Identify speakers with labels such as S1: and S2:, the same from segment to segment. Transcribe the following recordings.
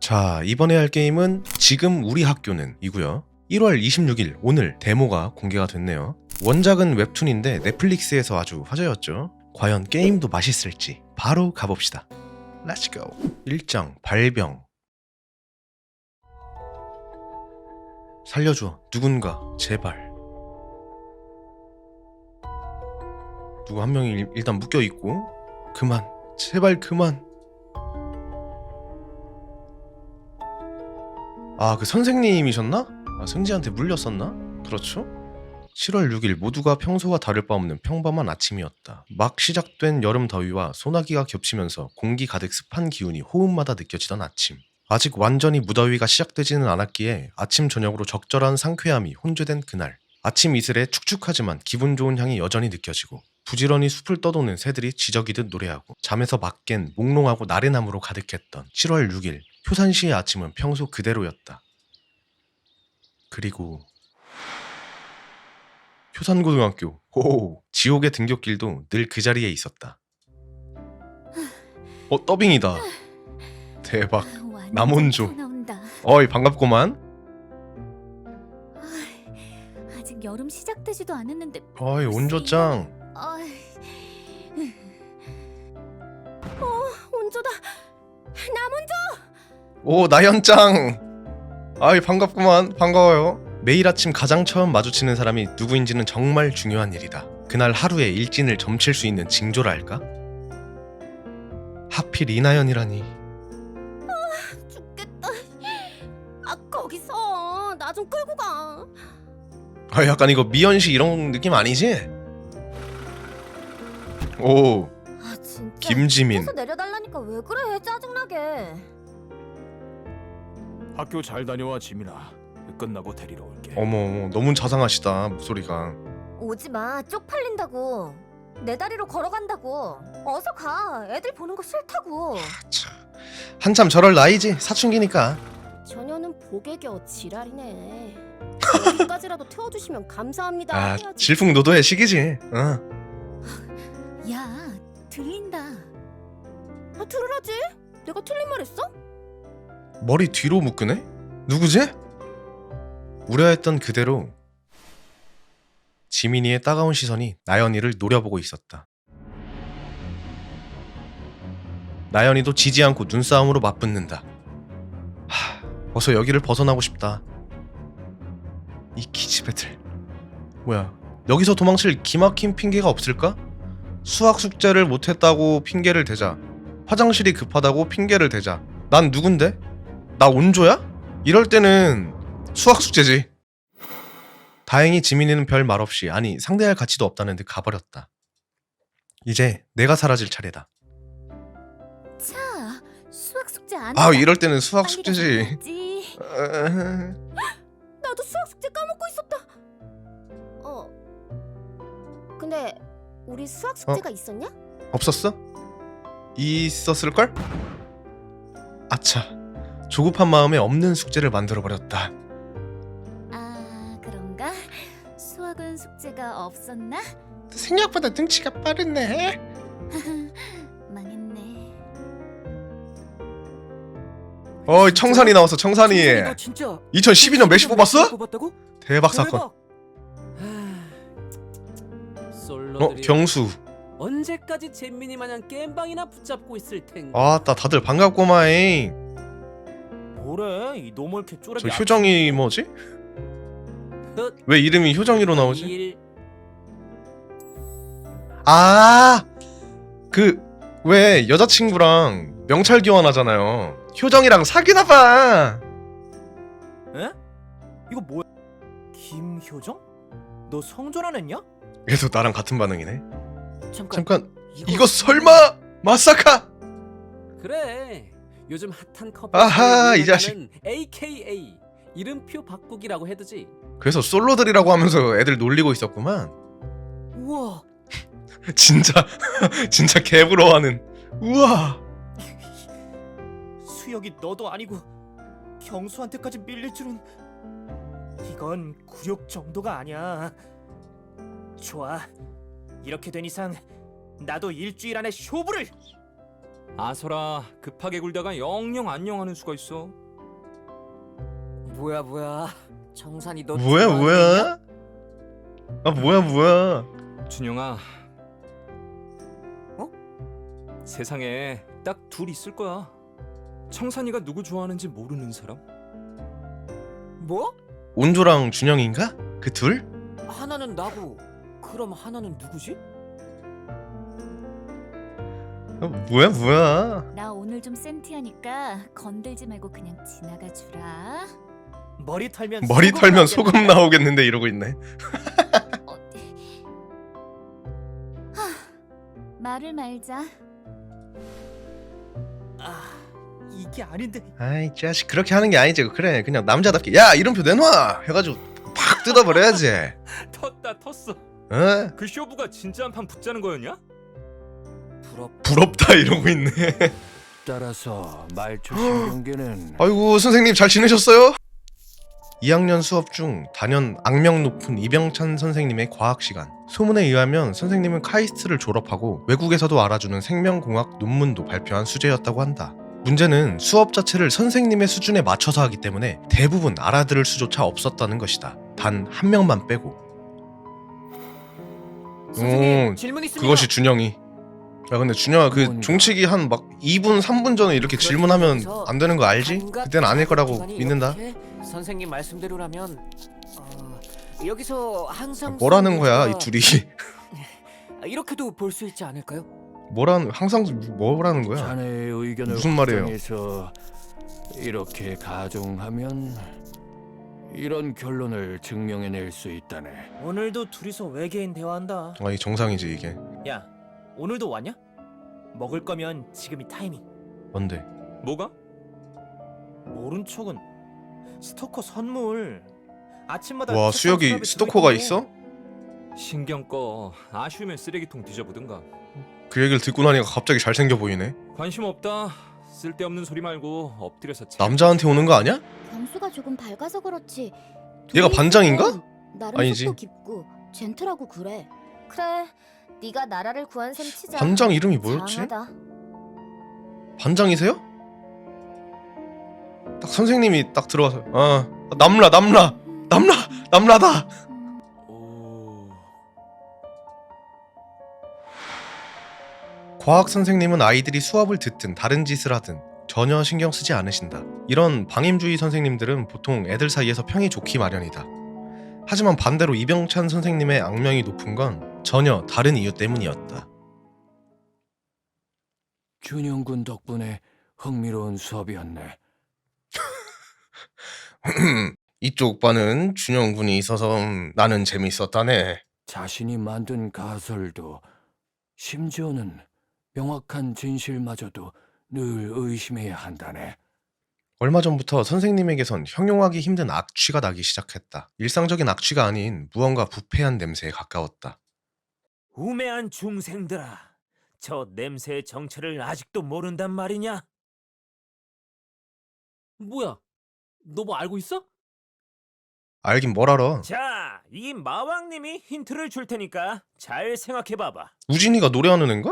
S1: 자, 이번에 할 게임은 지금 우리 학교는 이고요. 1월 26일 오늘 데모가 공개가 됐네요. 원작은 웹툰인데 넷플릭스에서 아주 화제였죠. 과연 게임도 맛있을지 바로 가봅시다. Let's go. 1장 발병. 살려줘. 누군가 제발. 누구 한 명이 일단 묶여있고 그만. 제발 그만. 아, 그 선생님이셨나? 아, 승지한테 물렸었나? 그렇죠? 7월 6일 모두가 평소와 다를 바 없는 평범한 아침이었다. 막 시작된 여름 더위와 소나기가 겹치면서 공기 가득 습한 기운이 호흡마다 느껴지던 아침. 아직 완전히 무더위가 시작되지는 않았기에 아침 저녁으로 적절한 상쾌함이 혼재된 그날. 아침 이슬에 축축하지만 기분 좋은 향이 여전히 느껴지고 부지런히 숲을 떠도는 새들이 지저귀듯 노래하고 잠에서 막 깬 몽롱하고 나른함으로 가득했던 7월 6일 효산시의 아침은 평소 그대로였다. 그리고 효산고등학교, 호 지옥의 등굣길도 늘 그 자리에 있었다. 더빙이다. 대박. 남원조. 어이, 반갑구만.
S2: 아직 여름 시작되지도 않았는데.
S1: 어이, 온조짱.
S2: 온조다. 남원조.
S1: 오, 나연짱. 아이, 반갑구만. 반가워요. 매일 아침 가장 처음 마주치는 사람이 누구인지는 정말 중요한 일이다. 그날 하루의 일진을 점칠 수 있는 징조라 할까? 하필 이나연이라니.
S2: 죽겠다. 거기서 나 좀 끌고 가.
S1: 아, 약간 이거 미연씨 이런 느낌 아니지? 오,
S2: 진짜.
S1: 김지민.
S2: 계속 내려달라니까 왜 그래? 짜증나게.
S3: 학교 잘 다녀와 지민아. 끝나고 데리러 올게.
S1: 어머, 너무 자상하시다 목소리가.
S2: 오지 마. 쪽팔린다고. 내 다리로 걸어간다고. 어서 가. 애들 보는 거 싫다고.
S1: 참, 한참 저럴 나이지. 사춘기니까.
S2: 저녀는 복에 겨 지랄이네. 여기까지라도 태워주시면 감사합니다.
S1: 아,
S2: 해야지.
S1: 질풍노도의 시기지.
S2: 야, 들린다. 들으라지. 내가 틀린 말 했어?
S1: 머리 뒤로 묶으네? 누구지? 우려했던 그대로 지민이의 따가운 시선이 나연이를 노려보고 있었다. 나연이도 지지 않고 눈싸움으로 맞붙는다. 어서 여기를 벗어나고 싶다. 이 기집애들. 뭐야, 여기서 도망칠 기막힌 핑계가 없을까? 수학 숙제를 못했다고 핑계를 대자, 화장실이 급하다고 핑계를 대자. 난 누군데? 나 온조야? 이럴 때는 수학 숙제지. 다행히 지민이는 별 말 없이, 아니 상대할 가치도 없다는 듯 가버렸다. 이제 내가 사라질 차례다.
S2: 자, 수학 숙제 안
S1: 아,
S2: 한다.
S1: 이럴 때는 수학
S2: 빨리
S1: 숙제지.
S2: 가야지. 나도 수학 숙제 까먹고 있었다. 근데 우리 수학 숙제가 있었냐?
S1: 없었어? 있었을걸? 아차, 조급한 마음에 없는 숙제를 만들어버렸다.
S2: 아, 그런가? 수학은 숙제가 없었나?
S1: 생각보다 등치가 빠르네.
S2: 망했네.
S1: 어이, 청산이 나왔어. 청산이.
S4: 너 진짜
S1: 2012년 메시 뽑았어?
S4: 뽑았다고?
S1: 대박 사건.
S4: 솔로들이
S1: 경수.
S4: 언제까지 잼민이 마냥 겜방이나 붙잡고 있을 텐가?
S1: 아따, 다들 반갑고마잉.
S3: 뭐래? 이 노멀 개쪼랩이.
S1: 저 효정이 뭐지? 왜 이름이 효정이로 나오지? 아, 그 왜 여자친구랑 명찰 교환하잖아요. 효정이랑 사귀나봐.
S3: 에? 이거 뭐야? 김효정? 너 성전 안 했냐?
S1: 얘도 나랑 같은 반응이네.
S4: 잠깐
S1: 이거 설마 마사카?
S4: 그래. 요즘 핫한 커플
S1: 아하,
S4: 사이에
S1: 이 자식.
S4: 유행하는 AKA 이름표 바꾸기라고 해두지.
S1: 그래서 솔로들이라고 하면서 애들 놀리고 있었구만.
S4: 우와.
S1: 진짜 진짜 개부러워하는. 우와.
S3: 수혁이 너도 아니고 경수한테까지 밀릴 줄은. 이건 굴욕 정도가 아니야. 좋아. 이렇게 된 이상 나도 일주일 안에 쇼부를.
S5: 아서라 급하게 굴다가 영영 안녕하는 수가 있어.
S6: 뭐야 정산이 너
S1: 뭐야
S6: 좋아하는
S1: 뭐야? 아 뭐야?
S5: 준영아. 세상에 딱 둘 있을 거야. 청산이가 누구 좋아하는지 모르는 사람?
S6: 뭐?
S1: 온조랑 준영인가? 그 둘?
S6: 하나는 나고 그럼 하나는 누구지?
S1: 뭐야?
S7: 나 오늘 좀 센티하니까 건들지 말고 그냥 지나가 주라.
S3: 머리 털면
S1: 머리 털면
S3: 나오겠네.
S1: 소금 나오겠는데 이러고 있네.
S7: 말을 말자.
S3: 아, 이게 아닌데.
S1: 아이 자식 그렇게 하는 게 아니지. 그래 그냥 남자답게 야 이름표 내놔 해가지고 팍 뜯어버려야지.
S5: 텄어.
S1: 어?
S5: 그 쇼부가 진짜 한 판 붙자는 거였냐?
S1: 부럽다 이러고 있네.
S8: 따라서 말초 신경계는
S1: 아이고 선생님 잘 지내셨어요? 2학년 수업 중 단연 악명 높은 이병찬 선생님의 과학 시간. 소문에 의하면 선생님은 카이스트를 졸업하고 외국에서도 알아주는 생명공학 논문도 발표한 수재였다고 한다. 문제는 수업 자체를 선생님의 수준에 맞춰서 하기 때문에 대부분 알아들을 수조차 없었다는 것이다. 단 한 명만 빼고.
S6: 선생님 질문 있습니다.
S1: 그것이 준영이. 야 근데 준영아 그
S8: 뭔가.
S1: 종치기 한 막 2분 3분 전에 이렇게 질문하면 안 되는 거 알지? 그땐 아닐 거라고
S6: 기간이
S1: 믿는다.
S6: 이렇게 선생님 말씀대로라면 여기서 항상
S1: 뭐라는 거야 이 둘이.
S6: 이렇게도 볼 수 있지 않을까요?
S1: 항상 뭐라는 거야?
S8: 자네의 의견을
S1: 무슨 말이에요?
S8: 확정해서 이렇게 가정하면 이런 결론을 증명해낼 수 있다네.
S3: 오늘도 둘이서 외계인 대화한다.
S1: 아, 이 정상이지 이게.
S3: 야, 오늘도 왔냐? 먹을 거면 지금이 타이밍.
S1: 뭔데?
S5: 뭐가?
S3: 모른 척은 스토커 선물. 아침마다
S1: 와
S3: 책상
S1: 수혁이
S3: 서랍에
S1: 스토커가
S3: 들어있고.
S1: 있어?
S5: 신경 꺼. 아쉬우면 쓰레기통 뒤져보든가.
S1: 그 얘기를 듣고 나니까 갑자기 잘생겨 보이네.
S5: 관심 없다. 쓸데없는 소리 말고 엎드려서
S1: 남자한테 오는 거 아니야?
S2: 경수가 조금 밝아서 그렇지.
S1: 얘가
S2: 둘이
S1: 반장인가?
S2: 있으면 나름
S1: 아니지.
S2: 속도 깊고 젠틀하고 그래. 그래. 네가 나라를 구한 셈 치자.
S1: 반장 이름이 뭐였지?
S2: 장하다.
S1: 반장이세요? 딱 선생님이 딱 들어와서 남라다.
S5: 오...
S1: 과학 선생님은 아이들이 수업을 듣든 다른 짓을 하든 전혀 신경 쓰지 않으신다. 이런 방임주의 선생님들은 보통 애들 사이에서 평이 좋기 마련이다. 하지만 반대로 이병찬 선생님의 악명이 높은 건 전혀 다른 이유 때문이었다.
S8: 준영군 덕분에 흥미로운 수업이었네.
S1: 이쪽 반은 준영 군이 있어서 나는 재밌었다네.
S8: 자신이 만든 가설도 심지어는 명확한 진실마저도 늘 의심해야 한다네.
S1: 얼마 전부터 선생님에게선 형용하기 힘든 악취가 나기 시작했다. 일상적인 악취가 아닌 무언가 부패한 냄새에 가까웠다.
S9: 우매한 중생들아, 저 냄새의 정체를 아직도 모른단 말이냐?
S4: 뭐야? 너 뭐 알고 있어?
S1: 알긴 뭘 알아.
S9: 자, 이 마왕님이 힌트를 줄 테니까 잘 생각해봐봐.
S1: 우진이가 노래하는 앤가?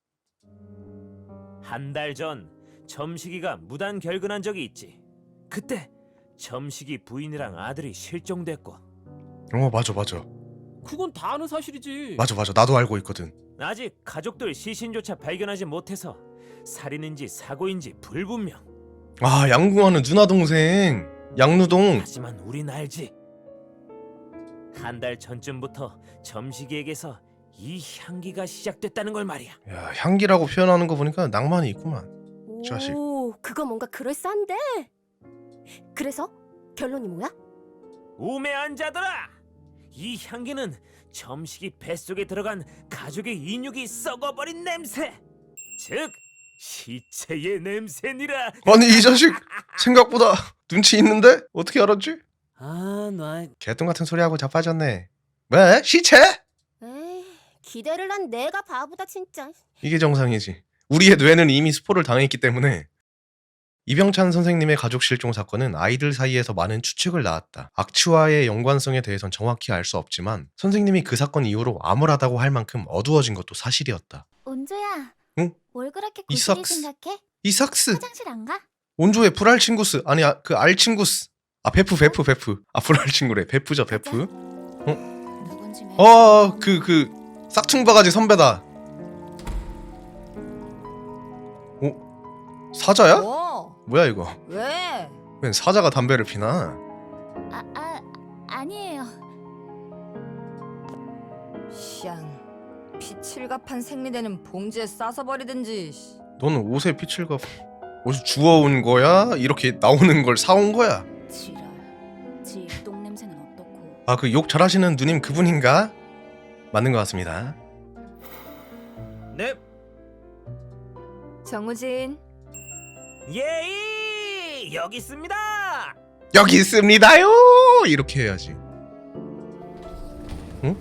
S9: 한 달 전 점식이가 무단 결근한 적이 있지. 그때 점식이 부인이랑 아들이 실종됐고
S1: 맞아.
S4: 그건 다 아는 사실이지.
S1: 맞아. 나도 알고 있거든.
S9: 아직 가족들 시신조차 발견하지 못해서 살인인지 사고인지 불분명.
S1: 아, 양궁하는 누나 동생. 양누동.
S9: 하지만 우린 알지. 한 달 전쯤부터 점식이에게서 이 향기가 시작됐다는 걸 말이야.
S1: 야, 향기라고 표현하는 거 보니까 낭만이 있구만. 자식.
S2: 오, 그거 뭔가 그럴싸한데. 그래서 결론이 뭐야?
S9: 우매한 자들아! 이 향기는 점식이 뱃속에 들어간 가족의 인육이 썩어버린 냄새! 즉, 시체의 냄새니라!
S1: 아니 이 자식 생각보다 눈치 있는데? 어떻게 알았지?
S4: 아, 나
S1: 개똥 같은 소리하고 자빠졌네. 왜? 시체?
S2: 에이, 기대를 한 내가 바보다 진짜.
S1: 이게 정상이지. 우리의 뇌는 이미 스포를 당했기 때문에. 이병찬 선생님의 가족 실종 사건은 아이들 사이에서 많은 추측을 낳았다. 악취와의 연관성에 대해선 정확히 알 수 없지만 선생님이 그 사건 이후로 암울하다고 할 만큼 어두워진 것도 사실이었다.
S2: 온조야.
S1: 응?
S7: 뭘 그렇게
S1: 이삭스.
S7: 구실이 생각해?
S1: 이삭스.
S7: 화장실 안 가?
S1: 온조의 불알친구스. 아니 그 알친구스. 아 베프. 아 불알친구래. 베프죠 베프.
S7: 누군지
S1: 그 싹퉁바가지 선배다. 사자야? 뭐야 이거?
S2: 왜?
S1: 웬 사자가 담배를 피나?
S7: 아니에요.
S2: 샹. 피칠갑한 생리대는 봉지에 싸서 버리든지.
S1: 너는 옷에 피칠가 어디서 주워온 거야? 이렇게 나오는 걸 사온 거야?
S7: 지랄. 지 똥냄새는 어떻고?
S1: 아 그 욕 잘하시는 누님 그분인가? 맞는 것 같습니다.
S9: 네.
S2: 정우진.
S9: 예이 여기 있습니다.
S1: 여기 있습니다요. 이렇게 해야지. 응?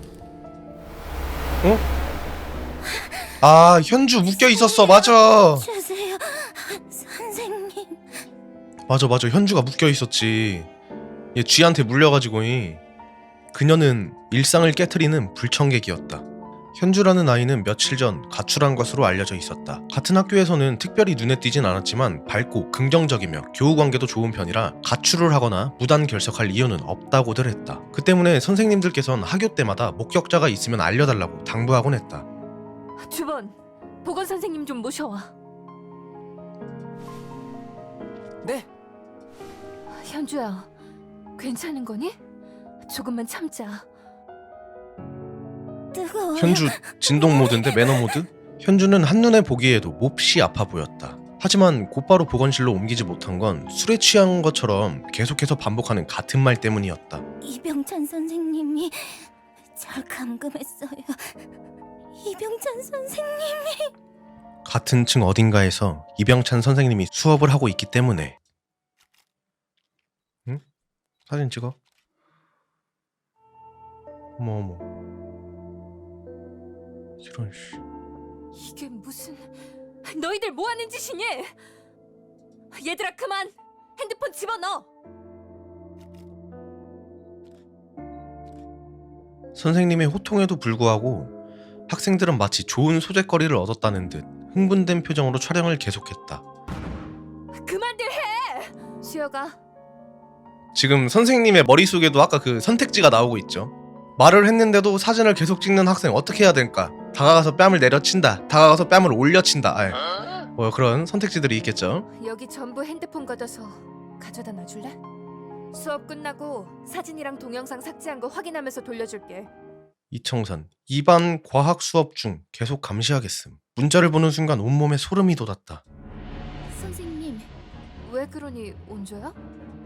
S1: 아 현주 묶여 있었어. 맞아.
S7: 주세요, 선생님.
S1: 맞아 현주가 묶여 있었지. 얘 쥐한테 물려가지고 그녀는 일상을 깨트리는 불청객이었다. 현주라는 아이는 며칠 전 가출한 것으로 알려져 있었다. 같은 학교에서는 특별히 눈에 띄진 않았지만 밝고 긍정적이며 교우 관계도 좋은 편이라 가출을 하거나 무단 결석할 이유는 없다고들 했다. 그 때문에 선생님들께선 학교 때마다 목격자가 있으면 알려달라고 당부하곤 했다.
S2: 주번. 보건 선생님 좀 모셔와.
S6: 네.
S2: 현주야. 괜찮은 거니? 조금만 참자.
S7: 뜨거워.
S1: 현주 진동 모드인데 매너 모드? 현주는 한눈에 보기에도 몹시 아파 보였다. 하지만 곧바로 보건실로 옮기지 못한 건 술에 취한 것처럼 계속해서 반복하는 같은 말 때문이었다.
S7: 이병찬 선생님이 절 감금했어요. 이병찬 선생님.
S1: 같은 층 어딘가에서 이병찬 선생님이 수업을 하고 있기 때문에. 응? 사진 찍어. 어머 이런 씨.
S2: 이게 무슨... 너희들 뭐 하는 짓이니? 얘들아 그만! 핸드폰 집어넣어!
S1: 선생님의 호통에도 불구하고 학생들은 마치 좋은 소재거리를 얻었다는 듯 흥분된 표정으로 촬영을 계속했다.
S2: 그만들 해! 수여가.
S1: 지금 선생님의 머릿속에도 아까 그 선택지가 나오고 있죠. 말을 했는데도 사진을 계속 찍는 학생 어떻게 해야 될까? 다가가서 뺨을 내려친다. 다가가서 뺨을 올려친다. 뭐 그런 선택지들이 있겠죠.
S2: 여기 전부 핸드폰 걷어서 가져다 놔줄래? 수업 끝나고 사진이랑 동영상 삭제한 거 확인하면서 돌려줄게.
S1: 이청선 2반 과학 수업 중 계속 감시하겠음. 문자를 보는 순간 온몸에 소름이 돋았다.
S7: 선생님.
S2: 왜 그러니 온조야?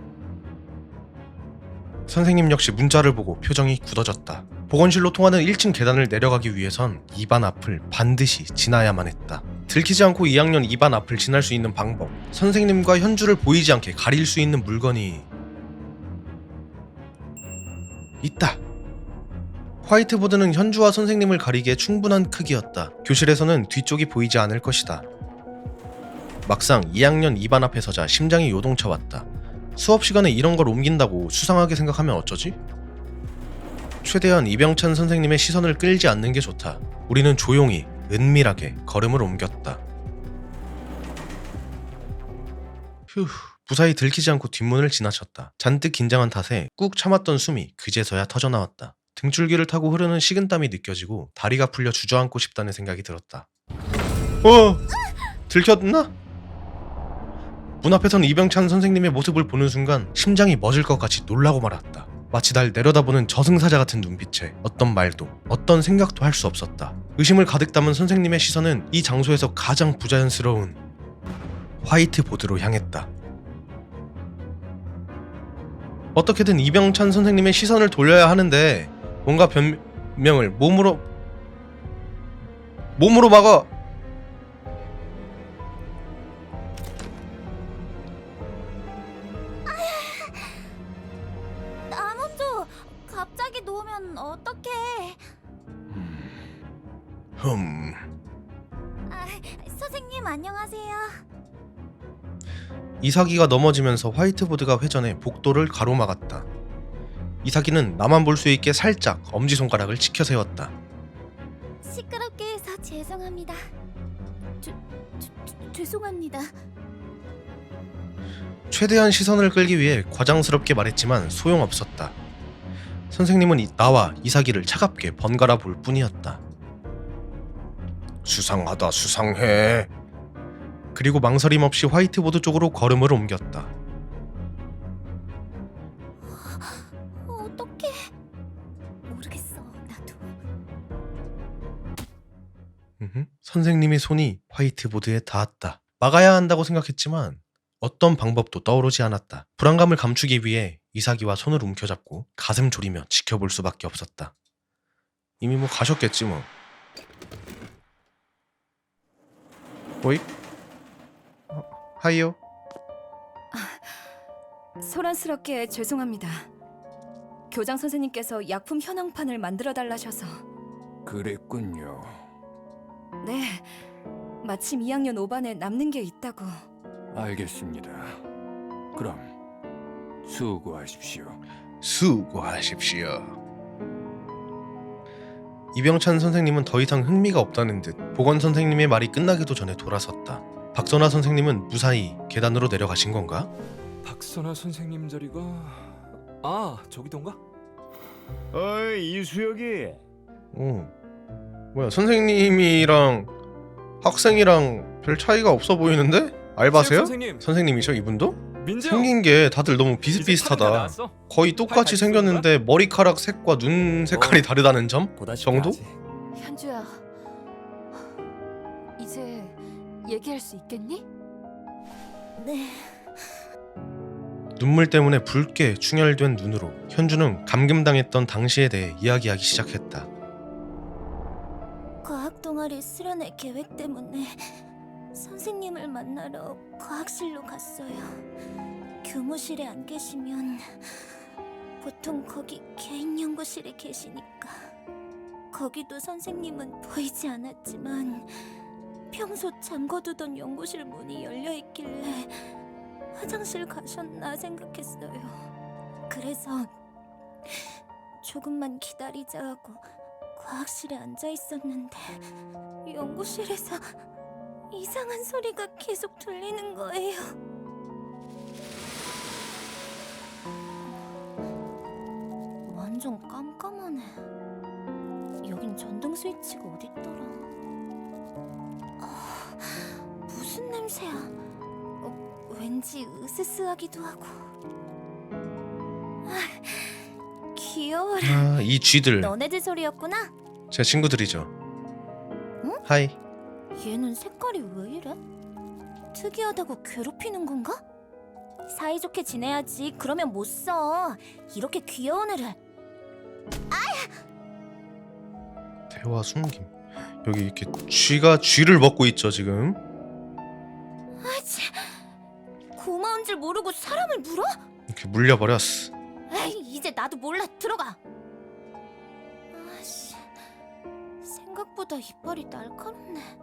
S1: 선생님 역시 문자를 보고 표정이 굳어졌다. 보건실로 통하는 1층 계단을 내려가기 위해선 2반 앞을 반드시 지나야만 했다. 들키지 않고 2학년 2반 앞을 지날 수 있는 방법. 선생님과 현주를 보이지 않게 가릴 수 있는 물건이 있다. 화이트보드는 현주와 선생님을 가리기에 충분한 크기였다. 교실에서는 뒤쪽이 보이지 않을 것이다. 막상 2학년 2반 앞에 서자 심장이 요동쳐 왔다. 수업 시간에 이런 걸 옮긴다고 수상하게 생각하면 어쩌지? 최대한 이병찬 선생님의 시선을 끌지 않는 게 좋다. 우리는 조용히 은밀하게 걸음을 옮겼다. 휴, 무사히 들키지 않고 뒷문을 지나쳤다. 잔뜩 긴장한 탓에 꾹 참았던 숨이 그제서야 터져나왔다. 등줄기를 타고 흐르는 식은땀이 느껴지고 다리가 풀려 주저앉고 싶다는 생각이 들었다. 들켰나? 문 앞에선 이병찬 선생님의 모습을 보는 순간 심장이 멎을 것 같이 놀라고 말았다. 마치 날 내려다보는 저승사자 같은 눈빛에 어떤 말도 어떤 생각도 할 수 없었다. 의심을 가득 담은 선생님의 시선은 이 장소에서 가장 부자연스러운 화이트보드로 향했다. 어떻게든 이병찬 선생님의 시선을 돌려야 하는데 뭔가 변명을 몸으로 막아.
S7: 나 먼저 갑자기 놓으면 어떡해? 선생님 안녕하세요.
S1: 이삭이가 넘어지면서 화이트보드가 회전해 복도를 가로막았다. 이삭이는 나만 볼 수 있게 살짝 엄지손가락을 치켜 세웠다.
S7: 시끄럽게 해서 죄송합니다. 죄송합니다.
S1: 최대한 시선을 끌기 위해 과장스럽게 말했지만 소용없었다. 선생님은 나와 이사기를 차갑게 번갈아 볼 뿐이었다. 수상하다, 수상해. 그리고 망설임 없이 화이트보드 쪽으로 걸음을 옮겼다.
S7: 어떡해? 모르겠어. 나도.
S1: 선생님의 손이 화이트보드에 닿았다. 막아야 한다고 생각했지만 어떤 방법도 떠오르지 않았다. 불안감을 감추기 위해 이사기와 손을 움켜잡고 가슴 졸이며 지켜볼 수밖에 없었다. 이미 뭐 가셨겠지 뭐. 오이? 하이요?
S2: 소란스럽게 죄송합니다. 교장 선생님께서 약품 현황판을 만들어 달라셔서.
S8: 그랬군요.
S2: 네, 마침 2학년 5반에 남는 게 있다고.
S8: 알겠습니다. 그럼 수고하십시오.
S1: 수고하십시오. 이병찬 선생님은 더 이상 흥미가 없다는 듯 보건 선생님의 말이 끝나기도 전에 돌아섰다. 박선아 선생님은 무사히 계단으로 내려가신 건가?
S5: 박선아 선생님 자리가 저기던가?
S9: 어이 이수혁이.
S1: 뭐야, 선생님이랑 학생이랑 별 차이가 없어 보이는데? 알바세요?
S5: 선생님.
S1: 선생님이셔 이분도?
S5: 민재
S1: 생긴 게 다들 너무
S5: 이제
S1: 비슷비슷하다.
S5: 다 나왔어?
S1: 거의 똑같이
S5: 다
S1: 생겼는데 머리카락 색과 눈 색깔이 다르다는 점? 정도?
S2: 현주야, 이제 얘기할 수 있겠니?
S7: 네.
S1: 눈물 때문에 붉게 충혈된 눈으로 현주는 감금당했던 당시에 대해 이야기하기 시작했다.
S7: 과학 동아리 수련회 계획 때문에 선생님을 만나러 과학실로 갔어요. 교무실에 안 계시면 보통 거기 개인 연구실에 계시니까. 거기도 선생님은 보이지 않았지만 평소 잠궈두던 연구실 문이 열려있길래 화장실 가셨나 생각했어요. 그래서 조금만 기다리자 하고 과학실에 앉아 있었는데 연구실에서 이상한 소리가 계속 들리는 거예요. 완전 깜깜하네. 여긴 전등 스위치가 어딨더라. 무슨 냄새야? 왠지 으스스하기도 하고. 귀여워라.
S1: 이 쥐들
S7: 너네들 소리였구나.
S1: 제 친구들이죠. 하이.
S7: 얘는 색깔이 왜 이래? 특이하다고 괴롭히는 건가? 사이좋게 지내야지. 그러면 못 써. 이렇게 귀여운 애를.
S1: 대화 숨김. 여기 이렇게 쥐가 쥐를 먹고 있죠 지금.
S7: 아치. 고마운 줄 모르고 사람을 물어?
S1: 이렇게 물려버렸어.
S7: 에이, 이제 나도 몰라. 들어가. 아씨. 생각보다 이빨이 날카롭네.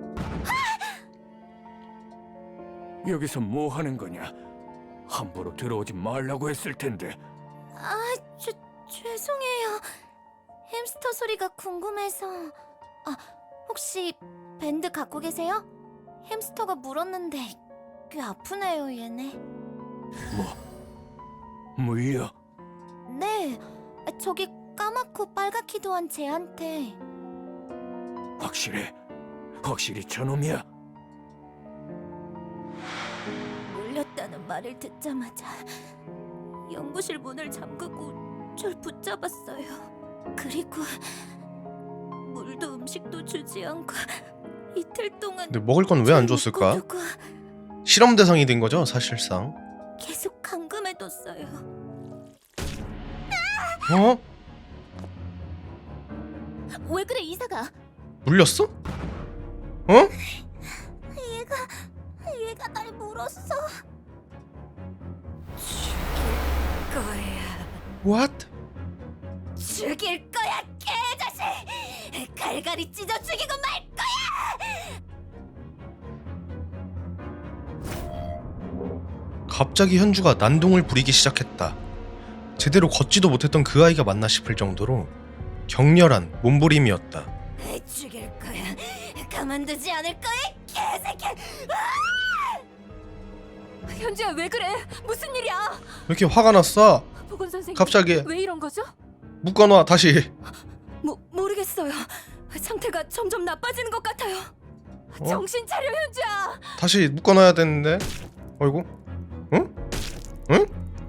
S8: 여기서 뭐 하는 거냐? 함부로 들어오지 말라고 했을 텐데.
S7: 죄송해요. 햄스터 소리가 궁금해서. 혹시 밴드 갖고 계세요? 햄스터가 물었는데 꽤 아프네요, 얘네.
S8: 물려?
S7: 네, 저기 까맣고 빨갛기도 한 쟤한테.
S8: 확실히 저놈이야?
S7: 물렸다는 말을 듣자마자 연구실 문을 잠그고 절 붙잡았어요. 그리고 물도 음식도 주지 않고 이틀 동안.
S1: 근데 먹을 건 왜 안
S7: 절
S1: 줬을까?
S7: 묶어두고
S1: 실험 대상이 된 거죠 사실상.
S7: 계속 감금해뒀어요.
S1: 어?
S7: 왜 그래, 이사가?
S1: 물렸어? 어?
S7: 얘가 날 물었어.
S2: 거야.
S1: What?
S7: 죽일 거야, 개자식! 갈갈이 찢어 죽이고 말 거야!
S1: 갑자기 현주가 난동을 부리기 시작했다. 제대로 걷지도 못했던 그 아이가 맞나 싶을 정도로 격렬한 몸부림이었다.
S7: 죽일 거야. 가만두지 않을 거야,
S2: 현주야 왜 그래? 무슨 일이야?
S1: 왜 이렇게 화가 났어?
S2: 보건 선생님.
S1: 갑자기.
S2: 왜 이런 거죠?
S1: 묶어놔 다시.
S2: 모르겠어요. 상태가 점점 나빠지는 것 같아요.
S1: 어?
S2: 정신 차려 현주야.
S1: 다시 묶어놔야 되는데. 어이구. 응? 응?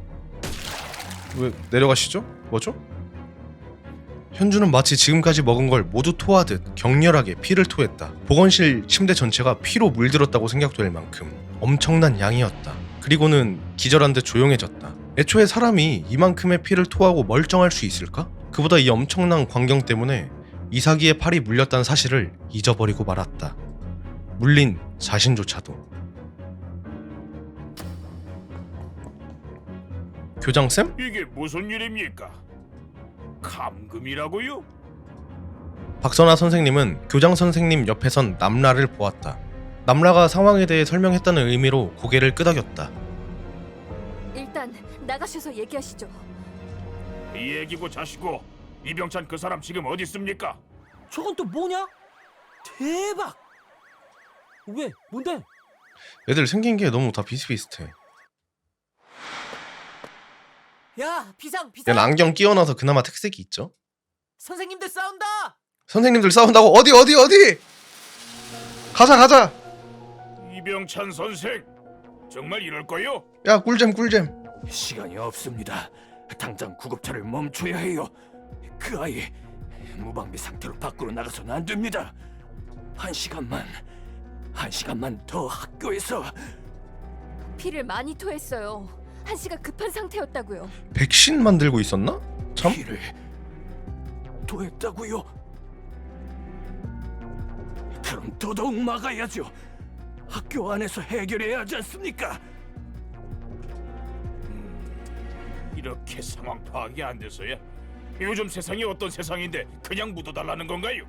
S1: 왜 내려가시죠? 뭐죠? 현주는 마치 지금까지 먹은 걸 모두 토하듯 격렬하게 피를 토했다. 보건실 침대 전체가 피로 물들었다고 생각될 만큼 엄청난 양이었다. 그리고는 기절한 듯 조용해졌다. 애초에 사람이 이만큼의 피를 토하고 멀쩡할 수 있을까? 그보다 이 엄청난 광경 때문에 이사기의 팔이 물렸다는 사실을 잊어버리고 말았다. 물린 자신조차도. 교장쌤?
S8: 이게 무슨 일입니까? 감금이라고요?
S1: 박선아 선생님은 교장 선생님 옆에선 남라를 보았다. 남라가 상황에 대해 설명했다는 의미로 고개를 끄덕였다.
S2: 일단 나가셔서 얘기하시죠.
S8: 이 얘기고 자시고 이병찬 그 사람 지금 어디 있습니까?
S4: 저건 또 뭐냐? 대박! 왜? 뭔데?
S1: 애들 생긴 게 너무 다 비슷비슷해.
S6: 야, 비상!
S1: 얘는 안경 끼워놔서 그나마 특색이 있죠.
S6: 선생님들 싸운다!
S1: 선생님들 싸운다고? 어디? 가자.
S8: 이병찬 선생 정말 이럴 거요?
S1: 야 꿀잼.
S8: 시간이 없습니다. 당장 구급차를 멈춰야 해요. 그 아이 무방비 상태로 밖으로 나가서는 안 됩니다. 한 시간만 더 학교에서.
S2: 피를 많이 토했어요. 한시가 급한 상태였다고요.
S1: 백신 만들고 있었나? 참.
S8: 피를 토했다고요? 그럼 더더욱 막아야죠. 학교 안에서 해결해야 하지 않습니까? 이렇게 상황 파악이 안 돼서야 요즘 세상이 어떤 세상인데 그냥 묻어달라는 건가요?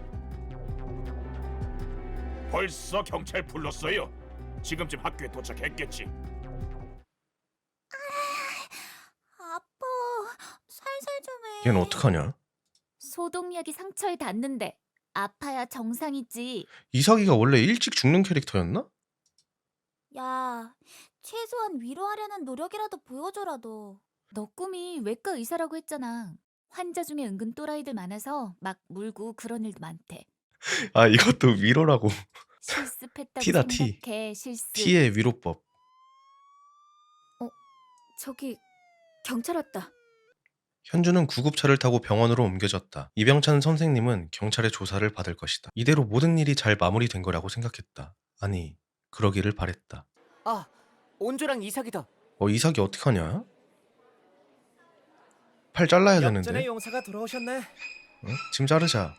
S8: 벌써 경찰 불렀어요. 지금쯤 학교에 도착했겠지.
S7: 아파. 살살 좀 해.
S1: 얘는 어떡하냐?
S7: 소독약이 상처에 닿는데 아파야 정상이지.
S1: 이사기가 원래 일찍 죽는 캐릭터였나?
S7: 야, 최소한 위로하려는 노력이라도 보여줘라 너. 너 꿈이 외과 의사라고 했잖아. 환자 중에 은근 또라이들 많아서 막 물고 그런 일도 많대.
S1: 아 이것도 위로라고.
S7: 실습했다고
S1: T다, T.
S7: 생각해. 실습.
S1: T의 위로법.
S2: 저기 경찰 왔다.
S1: 현주는 구급차를 타고 병원으로 옮겨졌다. 이병찬 선생님은 경찰의 조사를 받을 것이다. 이대로 모든 일이 잘 마무리된 거라고 생각했다. 아니, 그러기를 바랬다.
S6: 아, 온조랑 이삭이다.
S1: 이삭이 어떡하냐? 팔 잘라야
S3: 역전의
S1: 되는데.
S3: 용사가 돌아오셨네.
S1: 응? 지금 자르자.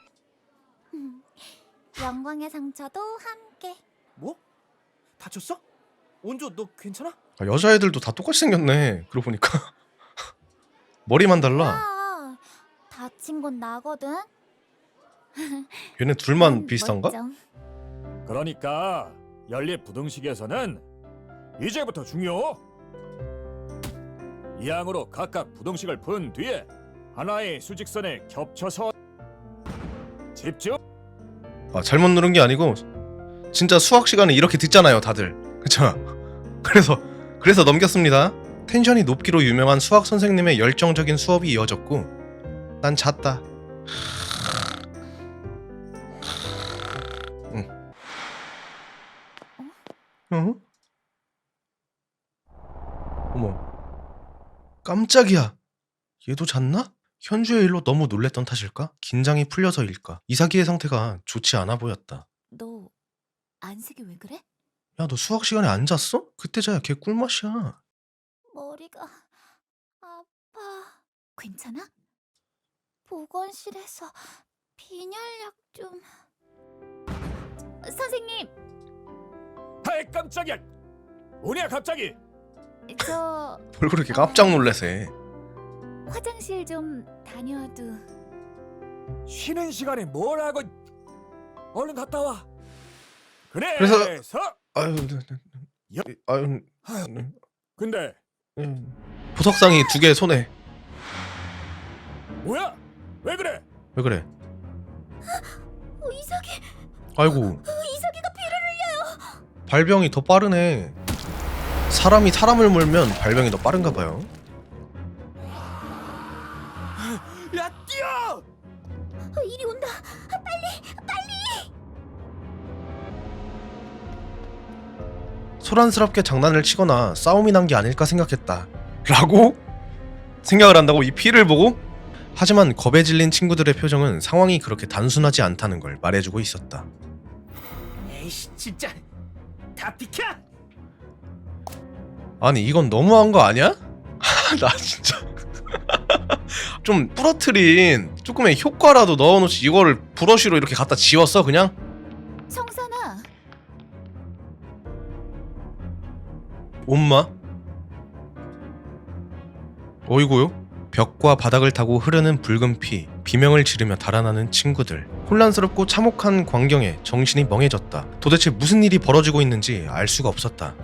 S7: 영광의 상처도 함께.
S3: 뭐? 다쳤어? 온조 너 괜찮아?
S1: 아, 여자애들도 다 똑같이 생겼네. 그러고 보니까. 머리만 달라.
S7: 야, 다친 건 나거든.
S1: 얘네 둘만 비슷한가?
S7: 멀쩡.
S5: 그러니까 연립 부등식에서는 이제부터 중요. 이항으로 각각 부등식을 푼 뒤에 하나의 수직선에 겹쳐서 집중.
S1: 아, 잘못 누른 게 아니고 진짜 수학 시간에 이렇게 듣잖아요, 다들. 그쵸? 그래서 넘겼습니다. 텐션이 높기로 유명한 수학 선생님의 열정적인 수업이 이어졌고 난 잤다. 응? 어머, 깜짝이야. 얘도 잤나? 현주의 일로 너무 놀랬던 탓일까? 긴장이 풀려서일까? 이사기의 상태가 좋지 않아 보였다.
S7: 너 안색이 왜 그래?
S1: 야, 너 수학 시간에 안 잤어? 그때 자야 걔 꿀맛이야.
S7: 머리가 아파. 괜찮아? 보건실에서 빈혈약 좀. 선생님,
S5: 아이 깜짝이야. 뭐냐 갑자기?
S7: 저
S1: 뭘 그렇게 깜짝 놀라세?
S7: 화장실 좀 다녀와도.
S5: 쉬는 시간에 뭘 하고? 얼른 갔다 와.
S1: 그래서- 아유,
S5: 근데
S1: 보석상이 2개 손에.
S5: 뭐야? 왜 그래?
S1: 왜 그래?
S7: 이삭이,
S1: 아이고,
S7: 이삭이가 피를 흘려.
S1: 발병이 더 빠르네. 사람이 사람을 물면 발병이 더 빠른가 봐요.
S3: 야, 뛰어!
S7: 이리 온다.
S1: 소란스럽게 장난을 치거나 싸움이 난 게 아닐까 생각했다. 라고 생각을 한다고? 이 피를 보고? 하지만 겁에 질린 친구들의 표정은 상황이 그렇게 단순하지 않다는 걸 말해주고 있었다.
S3: 에이씨, 진짜 다 비켜!
S1: 아니 이건 너무한 거 아니야? 나 진짜 좀 부러뜨린 조금의 효과라도 넣어놓지 이거를 브러쉬로 이렇게 갖다 지웠어 그냥?
S7: 청산아,
S1: 엄마? 어이구요? 벽과 바닥을 타고 흐르는 붉은 피, 비명을 지르며 달아나는 친구들. 혼란스럽고 참혹한 광경에 정신이 멍해졌다. 도대체 무슨 일이 벌어지고 있는지 알 수가 없었다.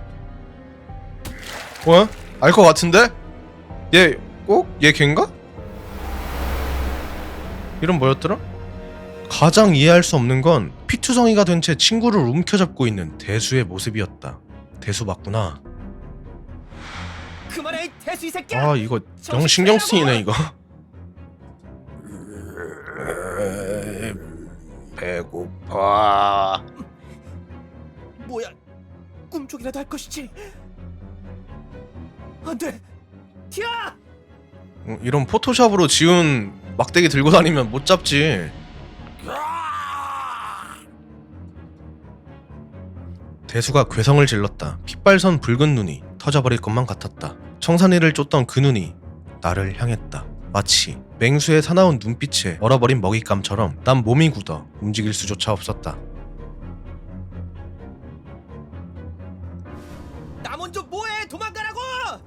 S1: 알 것 같은데? 얘 걔인가? 이름 뭐였더라? 가장 이해할 수 없는 건 피투성이가 된 채 친구를 움켜잡고 있는 대수의 모습이었다. 대수 맞구나.
S3: 그만해, 이 대수 이 새끼야!
S1: 아 이거 영 신경 쓰이네 이거. 배고파.
S3: 뭐야, 꿈속이라도 할 것이지. 안 돼! 튀어!
S1: 이런 포토샵으로 지운 막대기 들고 다니면 못 잡지. 대수가 괴성을 질렀다. 핏발선 붉은 눈이 터져버릴 것만 같았다. 청산이를 쫓던 그 눈이 나를 향했다. 마치 맹수의 사나운 눈빛에 얼어버린 먹잇감처럼 난 몸이 굳어 움직일 수조차 없었다.
S3: 나 먼저 뭐해! 도망가라고!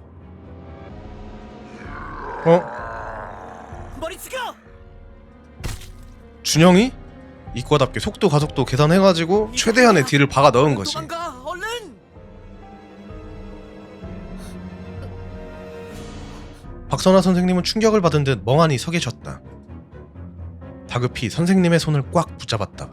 S3: 머리 숙여!
S1: 준영이? 이과답게 속도 가속도 계산해가지고 최대한의 딜을 박아 넣은 거지.
S3: 도망가, 얼른!
S1: 박선화 선생님은 충격을 받은 듯 멍하니 서 계셨다. 다급히 선생님의 손을 꽉 붙잡았다.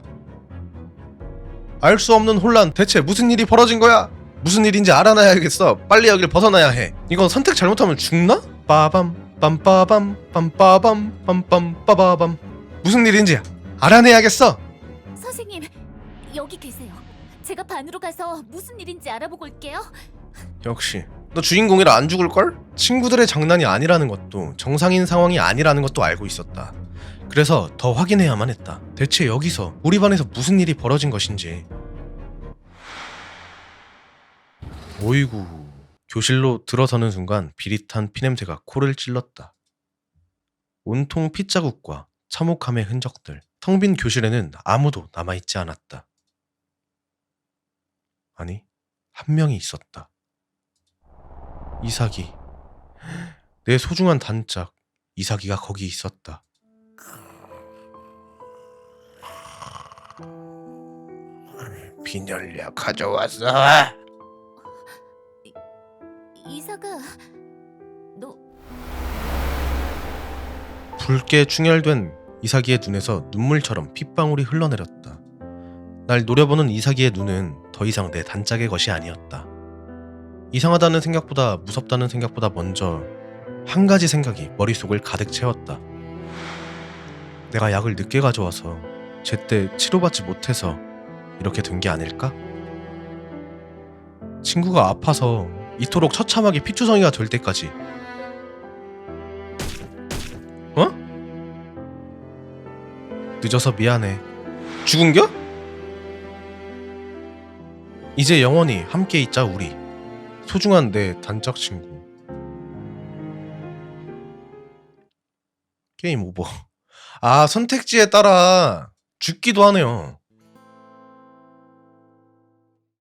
S1: 알 수 없는 혼란, 대체 무슨 일이 벌어진 거야? 무슨 일인지 알아놔야겠어. 빨리 여길 벗어나야 해. 이건 선택 잘못하면 죽나? 빠밤 빰빠밤 빰빠밤 빰빰 빠바밤. 무슨 일인지 알아내야겠어.
S7: 선생님, 여기 계세요. 제가 반으로 가서 무슨 일인지 알아보고 올게요.
S1: 역시 너 주인공이라 안 죽을걸? 친구들의 장난이 아니라는 것도 정상인 상황이 아니라는 것도 알고 있었다. 그래서 더 확인해야만 했다. 대체 여기서 우리 반에서 무슨 일이 벌어진 것인지. 오이구. 교실로 들어서는 순간 비릿한 피냄새가 코를 찔렀다. 온통 핏자국과 참혹함의 흔적들. 텅 빈 교실에는 아무도 남아있지 않았다. 아니, 한 명이 있었다. 이삭이. 내 소중한 단짝 이삭이가 거기 있었다. 빈혈약 가져왔어.
S7: 이사가, 너
S1: 붉게 충혈된 이삭이의 눈에서 눈물처럼 핏방울이 흘러내렸다. 날 노려보는 이삭이의 눈은 더 이상 내 단짝의 것이 아니었다. 이상하다는 생각보다 무섭다는 생각보다 먼저 한 가지 생각이 머릿속을 가득 채웠다. 내가 약을 늦게 가져와서 제때 치료받지 못해서 이렇게 된 게 아닐까? 친구가 아파서 이토록 처참하게 피투성이가 될 때까지. 늦어서 미안해. 죽은겨? 이제 영원히 함께 있자 우리. 소중한 내 단짝 친구. 게임 오버. 아, 선택지에 따라 죽기도 하네요.